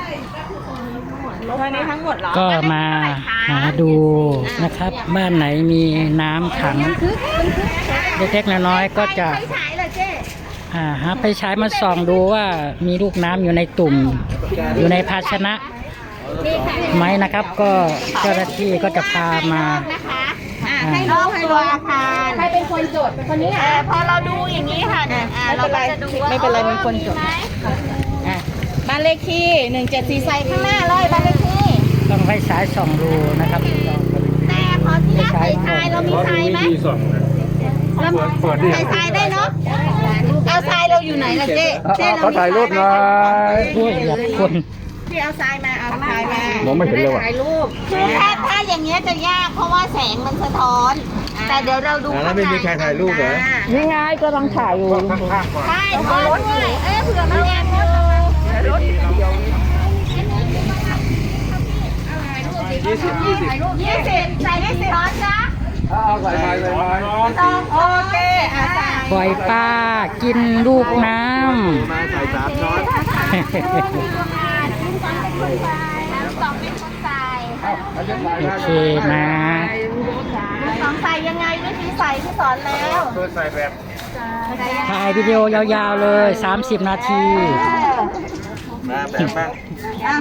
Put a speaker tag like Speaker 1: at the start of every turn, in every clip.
Speaker 1: ตัวนี้ทั้งหมดเหรอ
Speaker 2: ก็มาหาดูนะครับ บ้านไหนมีน้ำขังเล็กๆน้อยๆก็จะหาไปใช้มาส่องดูว่ามีลูกน้ำอยู่ในตุ่มอยู่ในภาชนะไหมนะครับ ก็เจ้าหน้าที่ก็จะพามา
Speaker 1: ให้รู้ให้รู้อาคารใครเป็นคนจดเป็นคนนี้พอเราดูอย่างนี้ค่ะเราก็จะดูว่าไม่เป็นไรมีคนจดบ้านเลขที่174ใส่ข้างหน้าเลยบ้านเลขที่
Speaker 2: ต้องไปใช้ส่องดูนะครับ
Speaker 1: แต่ขอที่ใส่ทรายเรามีทรายไหมใส่ทรายได้เนาะเอาทรายเราอยู่ไหนล่ะเจ๊
Speaker 3: เขาถ่ายรูปหน่อย
Speaker 2: ด้วยอยากคน
Speaker 1: พี่เอาทรายมาเอาทรายมาม
Speaker 3: องไม่เห็นเลยว่ะ
Speaker 1: ถ่ายรูปคือถ้าอย่างเงี้ยจะยากเพราะว่าแสงมันสะท้อนแต่เดี๋ยวเราดู
Speaker 3: แล้วไม่มีใครถ่ายรูปเหรอ
Speaker 2: นี่ไงก็ต้องถ่ายอยู่
Speaker 1: ใช่ขอรถด้วยเผื่อมันแอบอยู่รถ20ใส่ได้10ช้อนจ้ะ
Speaker 3: ใส่ไป
Speaker 1: โอเค
Speaker 2: ปล่อยปลากินลูกน้ำ
Speaker 3: มาใส่3 ช้อน
Speaker 2: โอเคนะ
Speaker 1: ใส่ยังไงวิธีใส่ที่สอนแล้ว
Speaker 3: ใส่แบบ
Speaker 2: ถ่ายวิดีโอยาวๆเลย30 นาที
Speaker 3: มาแบบบ้าง
Speaker 1: เอา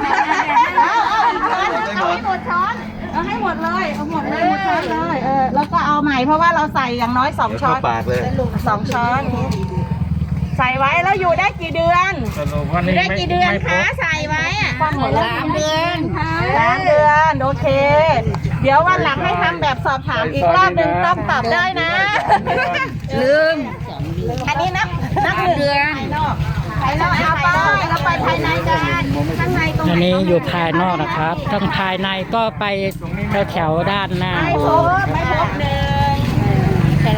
Speaker 1: ให้หมดช้อนเอาให้หมดเลยเอาหมดเลยหมดช้อนเลยแล้วก็เอาใหม่เพราะว่าเราใส่อย่างน้อย2 ช้อน
Speaker 3: ปากเลย
Speaker 1: 2 ช้อนใส่ไว้แล้วอยู่ได้กี่เดือนอยู่ได้กี่เดือนคะใส่ไว้3 เดือน3 เดือนโอเคเดี๋ยววันหลังให้ทำแบบสอบถามอีกรอบนึงต้องตอบได้นะลืมอันนี้นับ1 เดือนภายนอกเอาไปเราไปภายในกันข้างในตรง
Speaker 2: อันนี้อยู่ภายนอกนะครับทั้งภายในก็ไปแถวด้านหน้า
Speaker 1: ไม่พบ1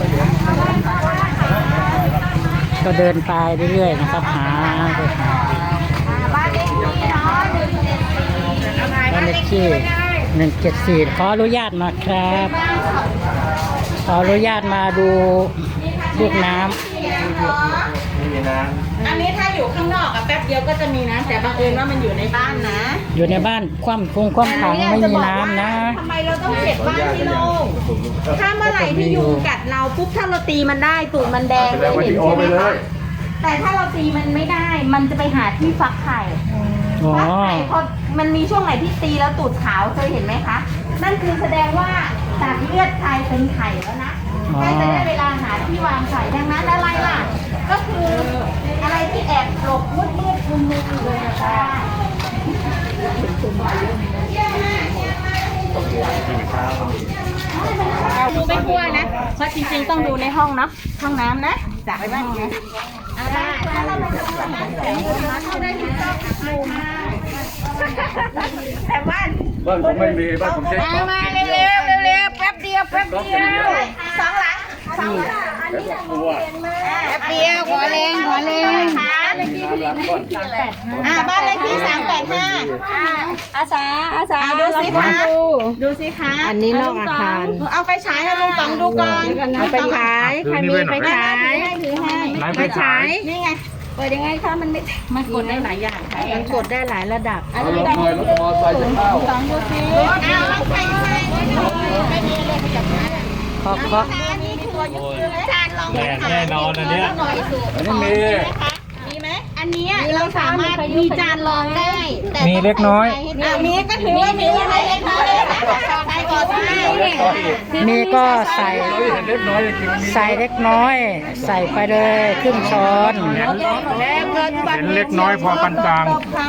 Speaker 2: ก็เดินไปเรื่อยๆนะครับหา
Speaker 1: บ้านเลขที่เนาะ
Speaker 2: บ้านเลขที่174ขออนุญาตนะครับขออนุญาตมาดูลูกน้ำ
Speaker 1: อันนี้ถ้าอยู่ข้างนอกแป๊บเดียวก็จะมีนะแต่บังเอิญว่ามันอยู่ในบ้านนะ
Speaker 2: อยู่ในบ้านคว่ำถังไม่มีน้ำนะ
Speaker 1: ทำไมเราต้องเก็บบ้านที่โล่งถ้าเมื่อไหร่ที่ยุงกัดเราปุ๊บถ้าเราตีมันได้ตูดมันแดงไม่เห็นใช่ไหมคะแต่ถ้าเราตีมันไม่ได้มันจะไปหาที่ฟักไข่ฟักไข่พอมันมีช่วงไหนที่ตีแล้วตูดขาวเคยเห็นไหมคะนั่นคือแสดงว่าตัดเลือดไข่เป็นไข่แล้วนะใกล้จะได้เวลาหาที่วางไข่ดังนั้นอะไรล่ะก็คืออะไรที่แอบหลบมืดคุมมือเลยนะคะดูไม่กลัวนะเพราะจริงๆต้องดูในห้องเนาะห้องน้ำนะจับไปบ้างนะถ้าเราไม่ทำอาหารเข้าได้ที่ต้องแต่บ้าน
Speaker 3: ผมไม่มีบ้านผมเช็ค
Speaker 1: มาเร็วแป๊บเดียว2 หลังอันนี้แป๊บเดียวขอแรงบ้านเลขที่385อาสาดูสิคะ
Speaker 2: อันนี้นอกอาคาร
Speaker 1: เอาไปฉายให้ลุงต๋องดูก่อน
Speaker 2: เอาไปฉายใครมีไปฉาย
Speaker 1: ไปฉายนี่ไงเปิดยังไงคะมันกดได้หลายอย่างค่ะ
Speaker 2: มันกดได้หลายระดับ
Speaker 3: อันนี้ต้อง
Speaker 1: ต๋องดูสิ
Speaker 2: เคาะ
Speaker 3: แน่นอนอันนี้
Speaker 1: มีไหมอันนี้เราสามารถมีจานรองได้แต่
Speaker 3: มีเล็กน้อย
Speaker 1: มีก็ถือว่ามีอะไรเล็กน้อยใส่ก่อน
Speaker 2: มีก็ใส่เล็กน้อยใส่ไปเลยครึ่งช้อน
Speaker 3: เห็นเล็กน้อยพอปานกลาง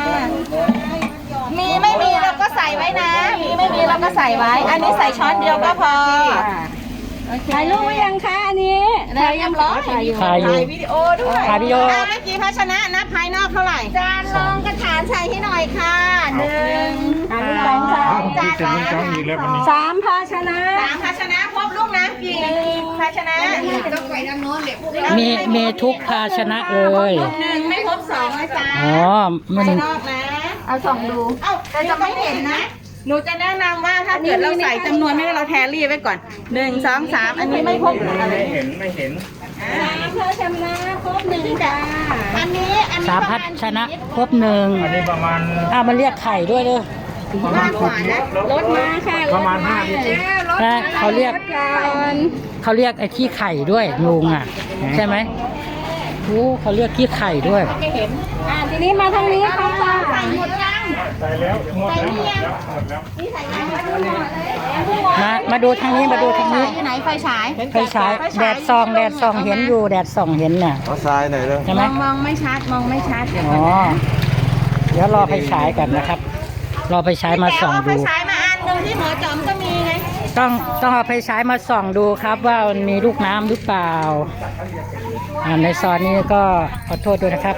Speaker 1: มีไม่มีเราก็ใส่ไว้นะมีไม่มีเราก็ใส่ไว้อันนี้ใส่ช้อนเดียวก็พอถ่ายรูปไว้ยังคะอันนี้ถ่ายยังร้อนถ่ายวิดีโอด้วย
Speaker 2: ถ่ายวิดีโอ
Speaker 1: เมื่อกี้ภาชนะนะภายนอกเท่าไหร่จานรองกระถางใส่ให้หน่อยค่ะ1 2 3จานละ3 ภาชนะครบลูกน้ำกี่ภาชนะต้องไปด้านโน้นเลย
Speaker 2: มีทุกภาชนะเลย
Speaker 1: 1ไม่ครบ2นะจ๊ะ
Speaker 2: มัน
Speaker 1: ภายนอกนะเอาส่องดูแต่จะไม่เห็นนะหนูจะแนะนำว่าถ้าเกิดเราใส่จำนวนไม่ได้เราแทรี่ไว้ก่อน1 2 3อันนี้ไม่พบ
Speaker 3: ไม่เห็น
Speaker 1: เพื่อชำระครบหนึ่งจ้าอันนี้
Speaker 2: สามพัดชนะครบหนึ่ง
Speaker 3: อันนี้ประมาณ
Speaker 2: มันเรียกไข่ด้วยเด้อ
Speaker 1: มากกว่านะรถมาค่ะ
Speaker 3: ประมาณ5
Speaker 2: นะเขาเรียกไอ้ขี้ไข่ด้วยลุงอ่ะใช่ไหมโอ้เขาเรียกขี้ไข่ด้วย
Speaker 1: ทีนี้มาทางนี้ค่ะใส่หมดยัง
Speaker 3: ใส่แล้วหมดแล้วหมดแล้ว
Speaker 1: นี่ใส่ยังมาดูหมดเลย
Speaker 2: มาดูทางนี้มาดูทางนี้
Speaker 1: อยู่ไหนไฟฉาย
Speaker 2: ไฟฉายแดดส่องเห็นอยู่แดดส่องเห็นน่ะ
Speaker 4: เอาทรายหน่อยเลย
Speaker 2: ใช่ไหม
Speaker 1: มองไม่ชัดเดี๋ยว
Speaker 2: อ๋อเดี๋ยวรอไฟฉายกันนะครับ รอไฟฉายมาส่อง
Speaker 1: ไฟ
Speaker 2: ดู
Speaker 1: ฉายมาอันหนึ่งที่หมอจอมก็มีไง
Speaker 2: ต้องเอาไฟฉายมาส่องดูครับว่ามันมีลูกน้ำหรือเปล่าในซอยนี้ก็ขอโทษด้วยนะครับ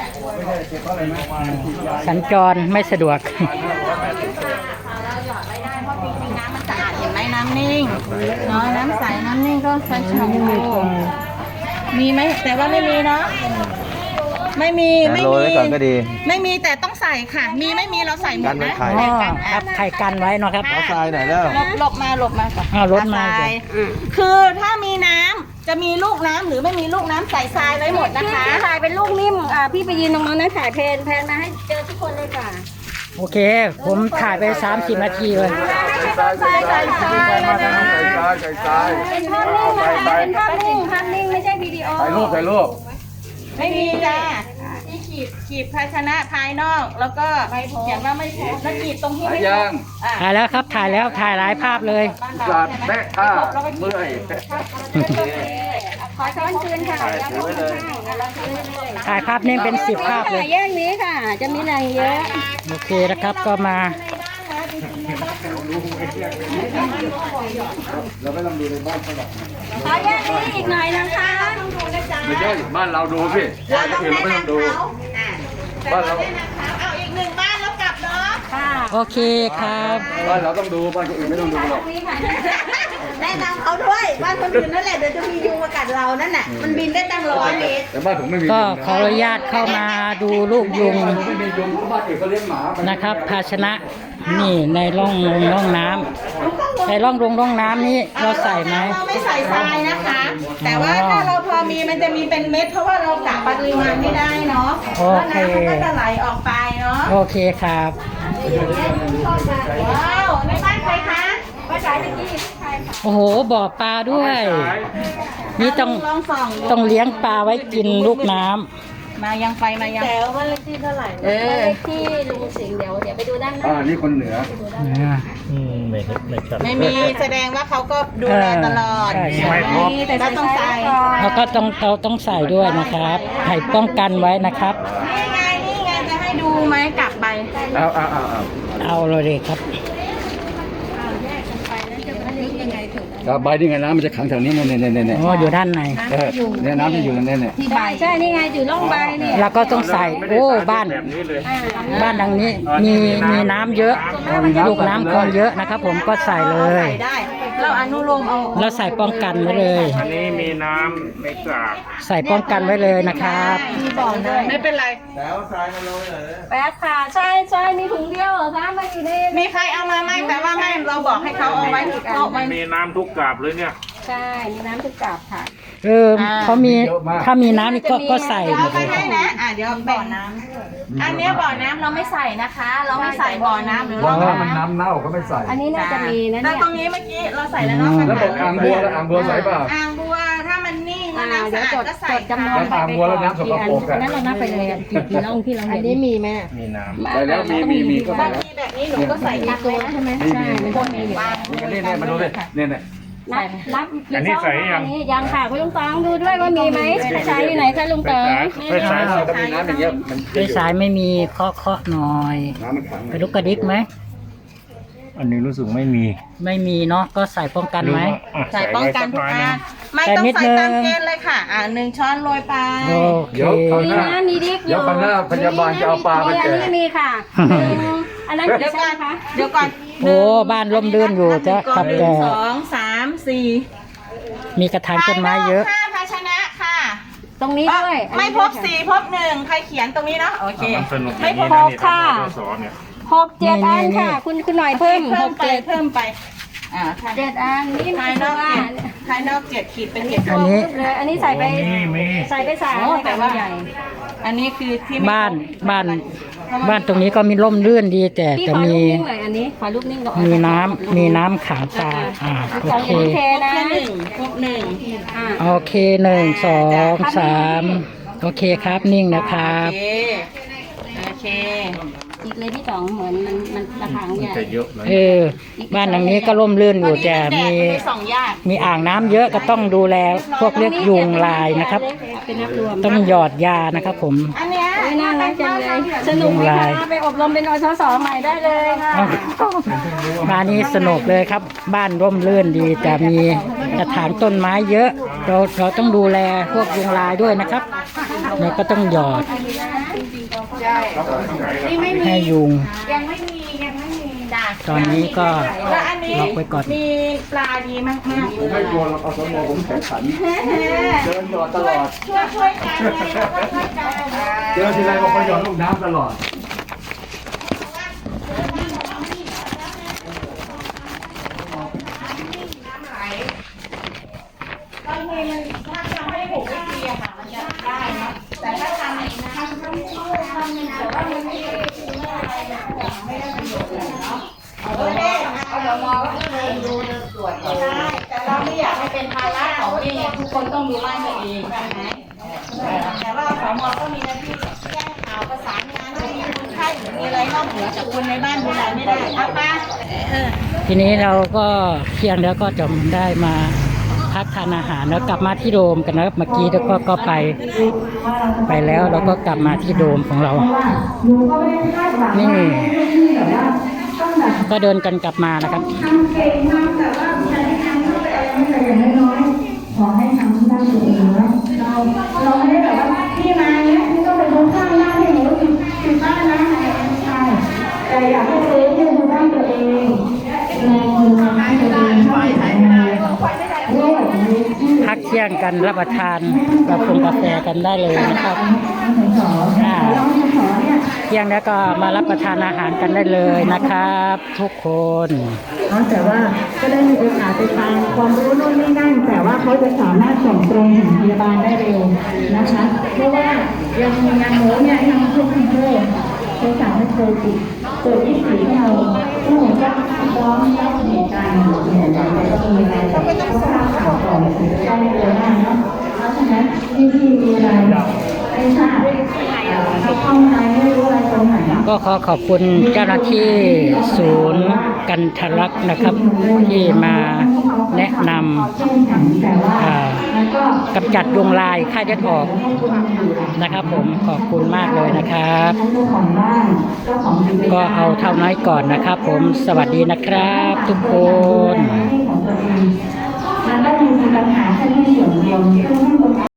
Speaker 2: สัญจรไม่สะดวก
Speaker 1: เราหยอดไว้ได้เพราะจริงๆน้ำมันสะอาดเห็นไหมน้ำนิ่งเนาะน้ำใสน้ำนิ่งก็ใช้ชงมีไหมแต่ว่าไม่มีเนาะไม่มี
Speaker 4: โรยไว้ก่อนก็ดี
Speaker 1: ไม่มีแต่ต้องใส่ค่ะ มีไม่มีเราใส่หม
Speaker 4: กั
Speaker 1: ด
Speaker 4: นไว้
Speaker 1: นะ
Speaker 4: ไข่
Speaker 2: อ๋อครับไข่กันไว้เนาะครับ
Speaker 4: เอาทรายหน่อยแล้ว
Speaker 1: หลบมาก่อน
Speaker 2: รถมา
Speaker 1: ทรายคือถ้ามีน้ำจะมีลูกน้ำหรือไม่มีลูกน้ำใส่ทรายไว้หมดนะคะ
Speaker 5: ถ่ายเป็นลูกนิ่มพี่ไปยืนตรงนั้นนะถ่ายแพนมาให้เจอทุกคนเลยค่ะ
Speaker 2: โอเค ผมถ่ายไป30 นาทีเลย
Speaker 4: ใส่ทรายใส่ทรายมาทางใส่ทรายใส่ทราย
Speaker 5: เป็นภาพนิ่งนะคะเป็นภาพนิ่งไม่ใช่วิดีโอ
Speaker 4: ถ่ายรูป
Speaker 1: ไม่มีจ้าที่ขีดภาชนะภายนอกแล้วก็เขียนว่าไม่พบแล้วขีดตรงที่ไม่พบ
Speaker 2: ถ่ายแล้วครับถ่ายแล้วถ่ายหลายภาพเลย
Speaker 4: สัตว์แม่ท่าเมื่อย
Speaker 5: ขอช้อนคืนค่ะ
Speaker 4: ถือไว้เลย
Speaker 2: ถ่ายภาพนิ่งเป็น10 ภาพเลย
Speaker 5: แยกนี้ค่ะ จะมีแรงเยอะ
Speaker 2: โอเคนะครับก็มา
Speaker 4: เราไม่ลองดูในบ้านเขาหรอก
Speaker 5: ขอแยกนี้อีกหน่อยนะคะ
Speaker 4: ไม่ใช่บ้านเราดูพี่
Speaker 1: เราต้อง
Speaker 4: อื่น
Speaker 1: แนะ
Speaker 4: เราไม่ต้อง
Speaker 1: นำ
Speaker 4: ดู
Speaker 1: เขาบ้านเราเอาอีกหนึ่งบ้านแล้วกลับเนาะ
Speaker 5: ค่ะ
Speaker 2: โอเคครับ
Speaker 4: บ้านเราต้องดูบ้านคนอื่นไม่ต้องดูหรอก
Speaker 1: แนะนำเขาด้วยบ้านคนอื่นนั่นแหละเดี๋ยวจะมียุงมากัดเรานั่นน่ะมันบินได้ตั้ง100 เมตร
Speaker 4: แต่บ้านผมไม่มี
Speaker 2: ก็ขออนุญาตเข้ามาดูลูกยุง
Speaker 4: ไม่มียุงบ้านอื่นเขาเลี้ยงหมา
Speaker 2: นะครับ ภาชนะนี่ในร่องน้ำในร่องน้ำนี้เราใส่ไหม
Speaker 1: เราไม่ใส่ทรายนะคะ แต่ว่าถ้าเราพอมีมันจะมีเป็นเม็ดเพราะว่าเรากะปริมาณไม่ได้เนาะ
Speaker 2: โอ
Speaker 1: แล้ว
Speaker 2: เค
Speaker 1: น้ำมันก็จะไหลออกไปเนาะ
Speaker 2: โอเคครับ
Speaker 1: ว้าวในบ้านใครคะ
Speaker 2: โอ้โหบ่อปลาด้วย นี่ต้อง
Speaker 1: ลองส่อง
Speaker 2: ต้องเลี้ยงปลาไว้กินลูกน้ำ
Speaker 1: มายังไฟมายัง
Speaker 5: แต่ว่าเลขที่เท่าไหร่เลขที่ลุงสิงห์เดี๋ยวไปดูด้านหน้า
Speaker 4: นี่คนเหนือ
Speaker 1: ไม่มีแสดงว่าเขาก็ดูแลตลอด
Speaker 2: ใช่ใช่
Speaker 5: แต่
Speaker 1: แล้วต้องใส่
Speaker 2: แล้วก็ต้องใส่ด้วยนะครับให้ป้องกันไว้นะครับ
Speaker 1: นี่ไงจะให้ดูไหมกลับไป
Speaker 2: เอาเลยครับ
Speaker 4: ใบนี่ไงน้ำมันจะขังแถวนี้เนี่ย
Speaker 2: อ๋ออยู่ด้านใน
Speaker 4: เนี่ยน้ำจะอยู่เนี่ย
Speaker 5: ที่ใบใช่นี่ไงอยู่ร่องใบเนี่ย
Speaker 2: แล้วก็ต้องใส่โอ้บ้าน
Speaker 3: แบบนี้เลย
Speaker 2: บ้านดังนี้มีน้ำเยอะลูกน้ำคงเยอะนะครับ ผมก็ใส่เลย
Speaker 1: ใส่ได้ เราอนุโลมเอา
Speaker 2: แล้วใส่ป้องกันไว้เลย
Speaker 3: อันนี้มีน้ำไม่กาก
Speaker 2: ใส่ป้องกันไว้เลยนะครับ
Speaker 1: ไม่เป็นไร
Speaker 4: แล้วทรายมาโรยหน่อย
Speaker 5: แป๊บค่ะใช่มีถุงเดียวเหรอคะไม่อยู่ใน
Speaker 1: มีใครเอามาไหมแต่ว่าไม่เราบอกให้เขาเอาไว้เอาไว้
Speaker 3: มีน้ำทุกกาบเลยเนี่ย
Speaker 5: ใช่มีน้ำทุกกาบค่ะ
Speaker 2: เขามีถ้ามีน้ำนี่ก็ใส่หม
Speaker 1: เอา
Speaker 2: ด
Speaker 1: ไป
Speaker 2: เลย
Speaker 1: ให้นะเดี๋ยวบ่อน้ำอันเนี้ยบ่อน้ำเราไม่ใส่นะคะ เราไม่ใส่บ่อน้ำหรือ
Speaker 4: ว่า
Speaker 1: ร่อง
Speaker 4: มัน
Speaker 1: น้ำ
Speaker 4: น้ำเน่าเขาไม่ใส่
Speaker 5: อันนี้น่าจะมีนะ
Speaker 1: แต่
Speaker 5: เนี่ย
Speaker 1: ตรงนี้เมื่อกี้เราใส่แล้วเนาะ
Speaker 4: แล้วบอกอ่างบัวแล้วอ่างบัวใส่เปล่า
Speaker 1: อ่างบัวถ้ามันนิ่งแล้วน้ำ
Speaker 5: เดี๋
Speaker 1: สะ
Speaker 5: ยว
Speaker 1: อาดก็ใส่
Speaker 5: จดจำนวน
Speaker 4: แล้วอ่างบัวแล้วน้ำสกปรก
Speaker 5: อันนั้นเรานับไปเลยกี่ร่องที่เราเห็นอันนี้มีไหม
Speaker 3: มีน้
Speaker 4: ใส่แล้วมีก็
Speaker 1: บา
Speaker 4: ใส่
Speaker 1: งทีแบบนี้หนูก็ใส่
Speaker 5: มีตัวใช่ไหมใช่มันต้องมีอยู่
Speaker 4: นี่มาดูเลยเนี่ย
Speaker 5: นับยังค่ะคุณลุงตองดูด้วยว่ามีไหมใช้อยู่ไหนคะลุง
Speaker 3: ำ
Speaker 5: ตอง
Speaker 3: ไฟฉาย
Speaker 4: ถ้ามีน้ำอย่างเงี้ยมัน
Speaker 2: ไฟสายไม่มีเคาะหน่อย
Speaker 4: น้ำมันขัง
Speaker 2: ไปลุกกระดิกไหม
Speaker 3: อันนี้รู้สึกไม่มี
Speaker 2: ไม่มีเนาะก็ใส่ป้องกันไหม
Speaker 1: ใส่ป้องกันทุกอันไม่ต้องใส่ตามเกณฑ์เลยค่ะ1 ช้อนโรยไป
Speaker 2: โอเค
Speaker 4: เดี๋ยวคราวห
Speaker 5: มี
Speaker 4: น้า
Speaker 5: นะมีดิกอ
Speaker 4: เดี๋ยว
Speaker 5: ยู่
Speaker 4: คราวหน้าพยาบาลจะเอาปลามาแจ
Speaker 5: อัน
Speaker 4: ก
Speaker 5: นี้มีค่ะอันนั้น
Speaker 1: เดี๋ยว
Speaker 5: ใช่
Speaker 1: ก่อน
Speaker 5: คะ
Speaker 1: เดี๋ยวก่อน
Speaker 2: โอ้บ้านร่มรื่นอยู่จะกับแก่
Speaker 1: 2 3 4
Speaker 2: มีกระถางต้นไม้เยอะ
Speaker 1: 5ภาชนะค่ะ
Speaker 5: ตรงนี้ด้วย
Speaker 1: ไม่พบ4พบ1ใครเขียนตรงนี้เนาะโอเค
Speaker 3: สนุก
Speaker 1: ไม่พบ
Speaker 3: นี่นะนี่ทำสอนเนี่ย
Speaker 5: 6 7 อันค่ะ คุณหน่อยเพิ่ม
Speaker 1: เพิ่ม
Speaker 5: 6
Speaker 1: ไป
Speaker 5: 7
Speaker 1: เพิ่มไป
Speaker 5: 7 อันนี่
Speaker 1: ภายนอกภายนอก7 ขีดเป็น7
Speaker 2: อันนี้
Speaker 5: เลยอันนี้ใส่ไป
Speaker 3: มี
Speaker 5: ใส่ไป3
Speaker 1: โอ้แต่ว่า
Speaker 5: ใหญ่
Speaker 1: อันนี้คือที่ไม่
Speaker 2: บ้านตรงนี้ก็มีร่มรื่นดีแต่
Speaker 5: พี่
Speaker 2: จะ
Speaker 5: ขอ
Speaker 2: มี
Speaker 5: รูปนิ่งหน่อยอันนี้ขอรูปนิ่งก่อน
Speaker 2: มีน้ำขังตาโอ
Speaker 5: ของ
Speaker 2: เค
Speaker 5: โอเคนะ
Speaker 1: ครบหนึ่ง
Speaker 2: โอเค1 2 3โอเคครับนิ่งนะครับ
Speaker 1: โอเค
Speaker 5: อีกเลยที่2เหมือนมันระถางใหญ่
Speaker 3: จะเยอะเลย
Speaker 2: บ้านหลังนี้ก็ร่มรื่นอยู่แต่มี
Speaker 1: ไปส่องยาก
Speaker 2: มีอ่างน้ำเยอะก็ต้องดูแลพวกเรียกยุงลายนะครับ
Speaker 5: เป็นนับรวม
Speaker 2: ต้องหยอดยานะครับผม
Speaker 1: อันเนี้ย
Speaker 5: ไม่น่ารักจังเลยสนุกไหมคะไปอบรมเป็นอสสใหม่ได้เลยค่ะ
Speaker 2: บ้านนี้สนุกเลยครับ บ้านร่มรื่นดีแต่มีกระถางต้นไม้เยอะ เราต้องดูแลพวกยุงลายด้วยนะครับเราก็ต้องหยอด
Speaker 1: นี่ไม่มี
Speaker 2: ให้ยุง
Speaker 1: ยังไม่มีจ้ะ
Speaker 2: ตอนนี้ก็
Speaker 1: แล้วอันนี้
Speaker 2: ล็อกไว้ก่อน
Speaker 1: มีปลาดีมาก
Speaker 4: ผมไม่กลัวเราเอาสมองผมแข็งขันเดินหยอดตลอด
Speaker 1: ช่วยกันไงเราก็ช่วยกัน
Speaker 4: เจอทีไรบอกว่าหยอดลูกน้ำตลอด
Speaker 1: บางทีมันถ้าทำให้ผูกไม่ดีอะค่ะมันจะได้เนาะแต่ถ้าทำเองนะคะทำแต่ว่ามันไม่ได้ไม่ได้ประโยชน์เลยเนาะเอาเรามองว่าดูตรวจใช่แต่เราไม่อยากให้เป็นภาระของเองทุกคนต้องดูบ้านตัวเองใช่ไหมแต่ว่าสมก็มีหน้าที่แจ้งข่าวประสานงานถ้ามีคนไข้หรือมีอะไรนอกเหนือจากคนในบ้านดูแลไม่ได้เอาป้า
Speaker 2: ทีนี้เราก็เที่ยงแล้วก็จะได้มาพักทานอาหารแล้วกลับมาที่โดมกันนะครับเมื่อกี้แล้วก็ไปแล้วเราก็กลับมาที่โดมของเรานี่ก็เดินกันกลับมานะครับ
Speaker 6: ขอให้ทำที่บ้านตัวเองนะเราไม่ได้แบบว่าพี่มาเนี่ยพี่ต้องเป็นคนข้างบ้านให้หนูอยู่บ้านนะไม่ใช่แต่อยากให้ตัวเองดูบ้านตัวเองแรงมือให้ตัวเองช่วยทำงานด้วย
Speaker 2: พักเที่ยงกันรับประทานกาแฟกันได้เลยนะครับเที่ยงแล้วก็มารับประทานอาหารกันได้เลยนะครับ ทุกคน
Speaker 6: แต่ว่าก็ได้มีโอกาสไปฟังความรู้โน่นนี่นั่นแต่ว่าเขาจะสามารถส่งตรงถึงพยาบาลได้เร็วนะคะเพราะว่ายังมีงานโน้เนี่ยทางทุกคนเลยเขาสั่งให้โทรติดเปิด24 ชั่วโมงผู้หญิงก็พร้อมรับเหตุการณ์เนี่ยก็มีอะไรก็ต้องทราบข่าวก่อนถึงจะได้เร็วมากเนาะเพราะฉะนั้นที่มีอะไรไม่ทราบเขาเข้ามาไม่รู้อะไรตรงไหน
Speaker 2: ก็ขอบคุณเจ้าหน้าที่ศูนย์กันทรลักษณ์นะครับ ที่มาแนะนำกำจัดยุงลายฆ่าเชื้อออกนะครับผมขอบคุณมากเลยนะครับ ก็เอาเท่าน้อยก่อนนะครับผมสวัสดีนะครับทุกคน
Speaker 6: มันก็มีปัญหาแค่ที่ส่วนเดียว